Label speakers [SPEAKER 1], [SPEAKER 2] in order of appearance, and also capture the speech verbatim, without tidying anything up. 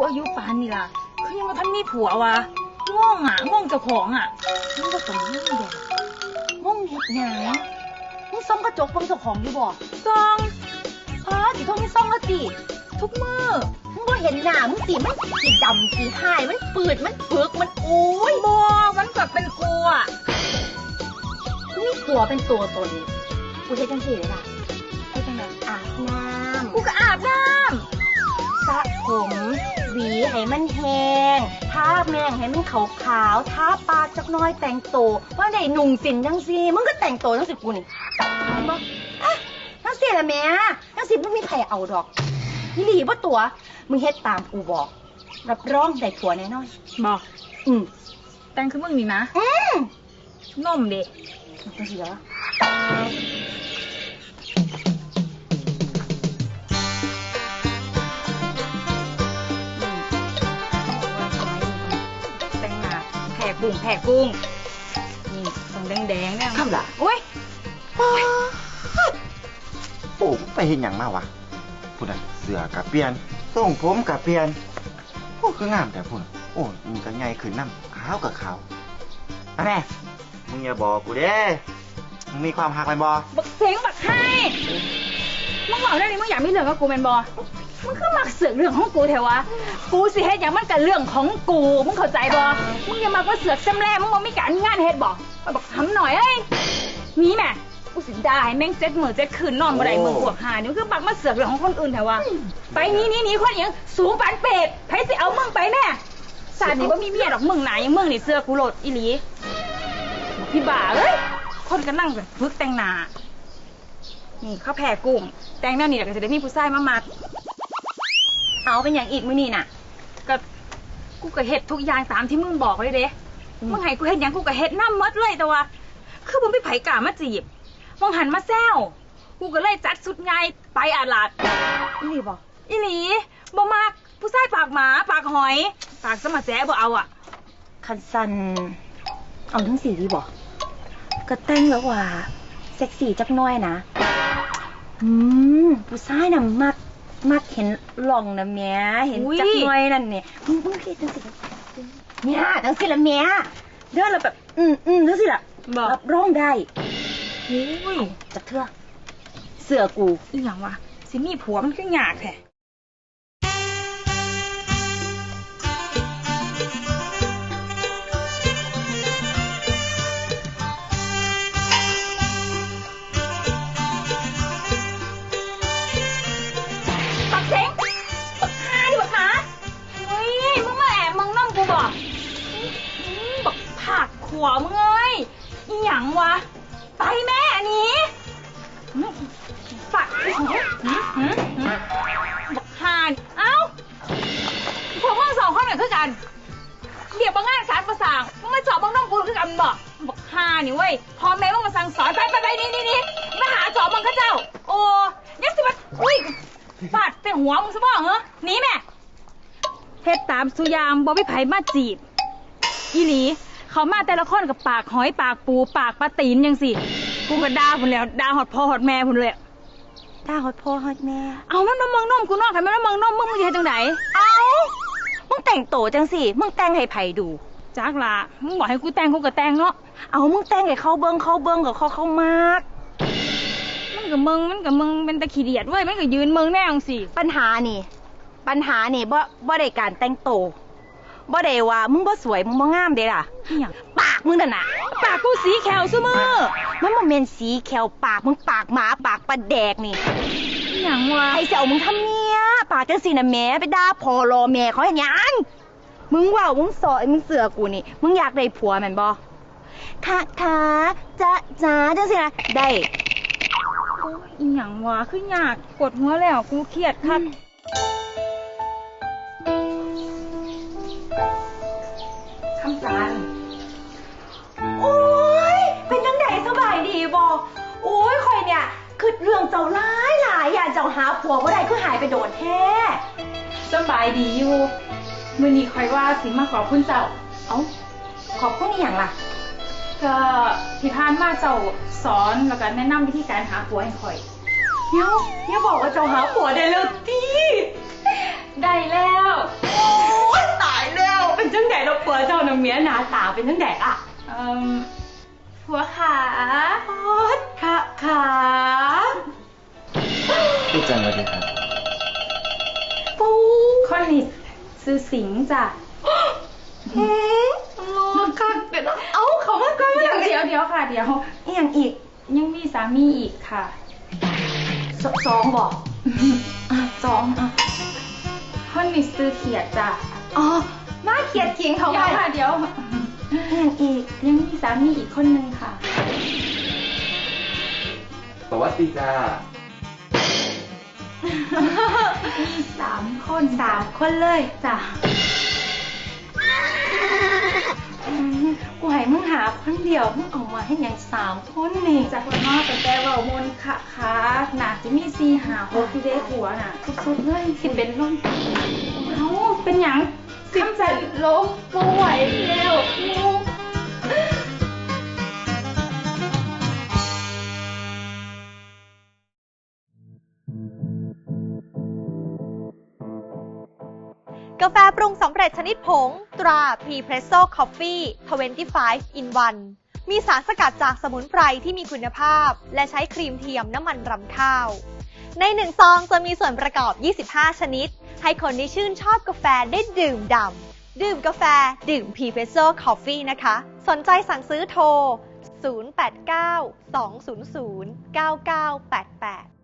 [SPEAKER 1] อายุปานนี่ล่ะคือยังว่าท่านมีผัววะง่วงอ่ะง่วงเจ้าของอ่ะ
[SPEAKER 2] มึงก็ต้องง่วงเด็กง่วงเห็ดหยังมึงซ่อมกระจกเบิ่งเจ้าของอยู่บ่
[SPEAKER 1] ซอง
[SPEAKER 2] อ๋อสิโทษมึงซ่อมแล้วติ
[SPEAKER 1] ทุกมื้อ
[SPEAKER 2] มึงบ่เห็นหน้ามึงสิมันสีดำสีหายมันปืดมันปึกมันอุ้ย
[SPEAKER 1] บัวมันก็เป็นกูอ่ะ
[SPEAKER 2] กูมีผัวเป็นตัวตนกูเฮ็ดจังซี่เลยล่ะเฮ็ดจังได๋อาบน้ำ
[SPEAKER 1] กูก็อาบน้
[SPEAKER 2] ำสระผมหวีให้มันแห้งทาแม่งให้มันขาวๆทาปากจักหน่อยแต่งตัวว่าได้นุ่งสินจังซี่มึงก็แต่งตัวจังซี่กูนี่บ่อ่ะจังซี่ล่ะแม่จังซี่บ่มีใครเอาดอกอีหลีบ่ตัวมึงเฮ็ดตามกูบอกรับรองได้ผัวแน่นอน
[SPEAKER 1] บอก
[SPEAKER 2] อืม
[SPEAKER 1] แต่งคือมึงนี่นะ
[SPEAKER 2] อืม
[SPEAKER 1] นมเด็ก
[SPEAKER 2] จังซี่ล่ะ
[SPEAKER 1] กุ้งแผ่กุ้งนี่ตรงแดงๆเนี่ย
[SPEAKER 3] ครับล่ะ
[SPEAKER 1] โอ้ย
[SPEAKER 3] โอ้ไปเห็นอย่างมากวะพูดน่ะเสือกับเปลี่ยนทรงผมกับเปลี่ยนโอ้คืองามแต่พูดโอ้มึงก็ใหญ่ขึ้นน้ำขาวกับขาวอันแน่มึงอย่าบอกกูเด้มึงมีความหักไหมบอ
[SPEAKER 1] บักเสียงบักให้มึงบอกได้เลยมึงอยากมีเรื่องกับกูเป็นบอมึงก็มักเสือกเรื่องของกูเถอะวะกูสิเฮ็ดอย่างมันกับเรื่องของกูมึงเข้าใจบอมึงอย่ามาว่าเสือกแซมแล่มึงบอกไม่การงานเฮ็ดบอมาบอกทำหน่อยเอ้ยมีแม่กูสิได้แม่งเจ็ดหมื่นเจ็ดคืนนอนบ่ได้มึงบวกหานี่คือบักมาเสือกเรื่องของคนอื่นเถอะวะไปนี่นี่นี่คนอย่างสูงปานเป็ดไผสิเอามึงไปแม่ศาสตร์นี่ว่ามีเมียดอกมึงไหนยังมึงนี่เสือกูโหลดอีหลีพี่บ่าเอ้ยคนก็นั่งแบบฝึกแต่งหน้านี่ข้าวแผ่กุ้งแต่งแนวนี้ก็จะได้มีผู้ชายมามัก
[SPEAKER 2] เอาเป็นอย่างอีกมื้อนี่น่ะ
[SPEAKER 1] ก็กูก็เฮ็ดทุกอย่างตามที่มึงบอกเลยเด้มึงให้กูเฮ็ดอย่างกูก็เฮ็ดน้ำมดเลยแต่ว่าคือมึงไม่ไผกล้ามาจีบมึงหันมาแซวกูก็เลยจัดสุดไงไปอาลาด
[SPEAKER 2] อีหลีบ่
[SPEAKER 1] อีหลีบ่มากผู้ชายปากหมาปากหอยปากสมาแจ๊บ่เอาอ่ะ
[SPEAKER 2] คันสันเอาทั้งสี่ดีบ่ก็แต่งแล้วว่าเซ็กซี่จักหน่อยนะอืมผู้ชายน่ะมักมักเห็นหล่องนะแม่เห็นจักหน่อยนั่นเนี่ยมึงมึงคิดจังสิเนี่ยจังสิละแม่เดินแล้วแบบอืมอืมจังสิละรับรองได้
[SPEAKER 1] โอ้ย
[SPEAKER 2] จักเถอะเสือกู
[SPEAKER 1] อีหยังวะสิมีผัวมันก็ยากแท้หัวมึงเอ้ยอีหยังวะไปแม่อันนี้ฝักบักฮานเอ้าพวกมึงสองคนกันคือกันเดี๋ยวบางงานสารประสางมึงมาจอบบังน้องกูคือกันบอกบักฮานี่เว้ยพอแม่มึงมาสั่งสอนไปไปไปนี่นี่นี่มาหาจอบมึงข้าเจ้าโอ้ยังสิมาอุ้ยฟาดแต่หัวมึงซะบ้างเหรอหนีแม่เฮ็ดตามสุยามบ่ไม่ไผมาจีบอีหลีเขามาแต่ละคนกับปากหอยปากปูปากปลาตีนยังสิกูก็ด่าพุ่นแล้วด่าหอดพ่อหอดแม่พุ่นเลย
[SPEAKER 2] ด่าหอดพ่อหอดแม่
[SPEAKER 1] เอามันมาเมืองนมกูนอกใครมันมาเมืองนมมึงมึงจะจังไหน
[SPEAKER 2] เอามึงแต่งโตจังสิมึงแต่งให้ไผ่ดู
[SPEAKER 1] จักละมึงบอกให้กูแต่งกูก็แต่งเนาะ
[SPEAKER 2] เอามึงแต่งให้เขาเบิ้งเขาเบิ้งกับเขาเขามาก
[SPEAKER 1] มันกับมึงมันกับมึงเป็นตะขี้เดียดเว้ยมันกับยืนมึงแน่จังสิ
[SPEAKER 2] ปัญหานี่ปัญหานี่บ่บ่ได้การแต่งโตบ่ได้ว่ามึงบ่สวยมึงบ่งามเด้ล่ะปากมึงนั่นน่ะ
[SPEAKER 1] ปากกูสีแขวซุมื้อ
[SPEAKER 2] มันบ่แม่นสีแขวปากมึงปากหมาปากปลาแดกนี่
[SPEAKER 1] หยังวะ
[SPEAKER 2] ไอ้เสี่ยวมึงทำเมียปากจังซี่น่ะแม่ไปด่าพ่อรอแม่เขาเฮ็ดหยังมึงว่ามึงสอยมึงเสือกูนี่มึงอยากได้ผัวแม่นบ่ค่ะค่ะจ๊ะจ๊ะจังซี่น่ะได้
[SPEAKER 1] อีหยังวะคือยากกดหัวแล้วกูเครียดคัก
[SPEAKER 2] คำสารโอ้ยเป็นจังไดสบายดีบ่โอ้ยข่อยเนี่ยคือเรื่องเจ้าหลายหลายอย่าเจ้าหาผัวบ่ได้คือหายไปโดนแท้
[SPEAKER 1] สบายดีอยู่มื้อนี้ข่อยว่าสิมาขอบคุณเจ้า
[SPEAKER 2] เอ้าขอบคุณอีหยังล่ะ
[SPEAKER 1] ก็ที่ผ่านมาเจ้าสอนแล้วก็แนะนำวิธีการหาผัวให้ข่อย
[SPEAKER 2] เดี๋ยวอย่าบอกว่าเจ้าหาผัวได้แล้วติ
[SPEAKER 1] ได้แล้ว
[SPEAKER 2] มียหนาตาเป็นทั้งแดกอ่ะ
[SPEAKER 1] เอ่อผัวขา
[SPEAKER 2] โอ๊ยค่ะขา
[SPEAKER 3] พี่จันสวัสดีครับ
[SPEAKER 2] ปู
[SPEAKER 1] คนนี้ซื้อสิงห์จ้ะ
[SPEAKER 2] อืมรอคักเดี๋ยวนะเอ้าเขามาก่อน
[SPEAKER 1] เดี๋ยวเดี๋ยวเดี๋ยวค่ะ เดี๋ยว
[SPEAKER 2] อีหยังอีก
[SPEAKER 1] ยังมีสามีอีกค่ะ
[SPEAKER 2] สสองบอกอ่ะสองอ่ะ
[SPEAKER 1] คนนี้ซื้อเขียดจ้ะ
[SPEAKER 2] อ๋อมาเขียดขิงเขา
[SPEAKER 1] เดี๋ยว
[SPEAKER 2] ไป
[SPEAKER 1] ค่ะเดี๋ยว
[SPEAKER 2] อีหยังอีก
[SPEAKER 1] ยังมีสามีอีกคนนึงค่ะ
[SPEAKER 3] สวัสดีจ้า
[SPEAKER 1] มีสามคน
[SPEAKER 2] สามคนเลย
[SPEAKER 1] จ้ะ
[SPEAKER 2] อืมกูให้มึงหาคนเดียวมึงเออกมาให้หยังสามคนนี่
[SPEAKER 1] จากคนนอกแต่แต่เว่ามนต์ค่ะค่ะน่าจะมีสี่หาหกที่ได้ผัวน่ะ
[SPEAKER 2] สุดๆเลยสิเป็นลม
[SPEAKER 1] เอ้าเป็นหยังสิบใจลมป่วยแล้วงู
[SPEAKER 4] กาแฟปรุงสำเร็จชนิดผงตรา P'Presso Coffee ยี่สิบห้า in วัน มีสารสกัดจากสมุนไพรที่มีคุณภาพและใช้ครีมเทียมน้ำมันรำข้าว ในหนึ่งซองจะมีส่วนประกอบ ยี่สิบห้า ชนิด ให้คนที่ชื่นชอบกาแฟได้ดื่มด่ำดื่มกาแฟดื่ม P'Presso Coffee นะคะ สนใจสั่งซื้อโทร ศูนย์ แปด เก้า สอง ศูนย์ ศูนย์ เก้า เก้า แปด แปด